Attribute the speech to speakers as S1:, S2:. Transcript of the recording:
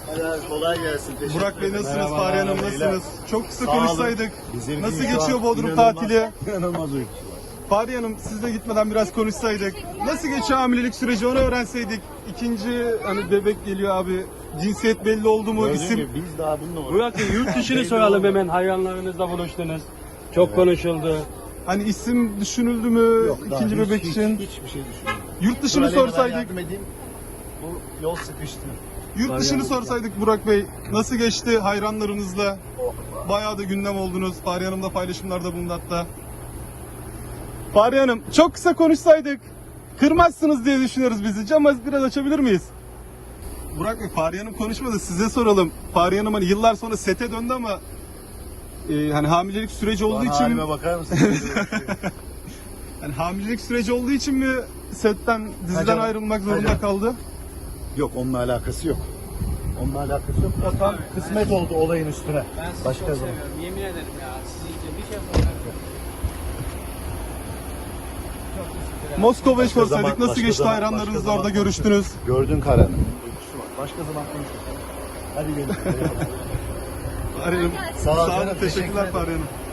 S1: Hadi kolay gelsin. Teşekkür
S2: Burak Bey
S1: ederim.
S2: nasılsınız?
S1: Merhaba,
S2: Fahriye Hanım
S1: beyler.
S2: nasılsınız? Çok kısa
S1: Sağ olun.
S2: konuşsaydık.
S1: Bizim
S2: Nasıl
S1: için şu
S2: geçiyor
S1: an
S2: Bodrum
S1: inanılmaz-
S2: tatili?
S1: İnanılmaz uyku.
S2: Fahriye Hanım sizle gitmeden biraz konuşsaydık. Nasıl geçiyor hamilelik süreci onu öğrenseydik. İkinci hani bebek geliyor abi. Cinsiyet belli oldu mu?
S1: Gördüğün
S2: İsim
S1: gibi biz daha bununla
S3: Burak Bey yurt dışını soralım hemen, hayranlarınızla buluştunuz. Çok konuşuldu.
S2: hani isim düşünüldü mü
S1: Yok, daha
S2: ikinci bebek için?
S1: Hiçbir şey düşünmüyorum.
S2: Yurt dışını
S1: Dur, Aleyna, ben
S2: sorsaydık.
S1: yardım edeyim. Bu yol sıkıştı.
S2: Yurt dışını sorsaydık Burak Bey. Nasıl geçti hayranlarınızla? Bayağı da gündem oldunuz. Fahriye Hanım da paylaşımlarda bulundu hatta. Fahriye Hanım çok kısa konuşsaydık. Kırmazsınız diye düşünüyoruz bizi. Camı biraz açabilir miyiz? Burak Bey, Fahriye Hanım konuşmadı. Size soralım. Fahriye Hanım hani yıllar sonra sete döndü ama hani hamilelik süreci olduğu
S1: Bana
S2: için
S1: halime bakar mısın?
S2: hani hamilelik süreci olduğu için mi setten, diziden
S1: Hocam,
S2: ayrılmak zorunda
S1: hocam.
S2: kaldı?
S1: Yok, onunla alakası yok. Onunla alakası yok. Ya tam kısmet oldu olayın üstüne.
S3: Ben sizi
S1: Başka
S3: çok
S1: zaman.
S3: seviyorum, yemin ederim ya. Sizi için bir şey yapamıyorum.
S2: Moskova'yı
S1: Başka
S2: sorsaydık
S1: zaman-
S2: nasıl
S1: başka
S2: geçti
S1: zaman-
S2: hayranlarınızla
S1: başka
S2: orada
S1: zaman
S2: görüştünüz?
S1: Gördün Karan'ın uykusu var. Başka zaman konuşuruz. Hadi gelin.
S2: Fahriye Hanım.
S1: Sağ ol
S2: Sağ olun,
S1: canım, teşekkür
S2: teşekkürler
S1: ederim.
S2: Fahriye Hanım.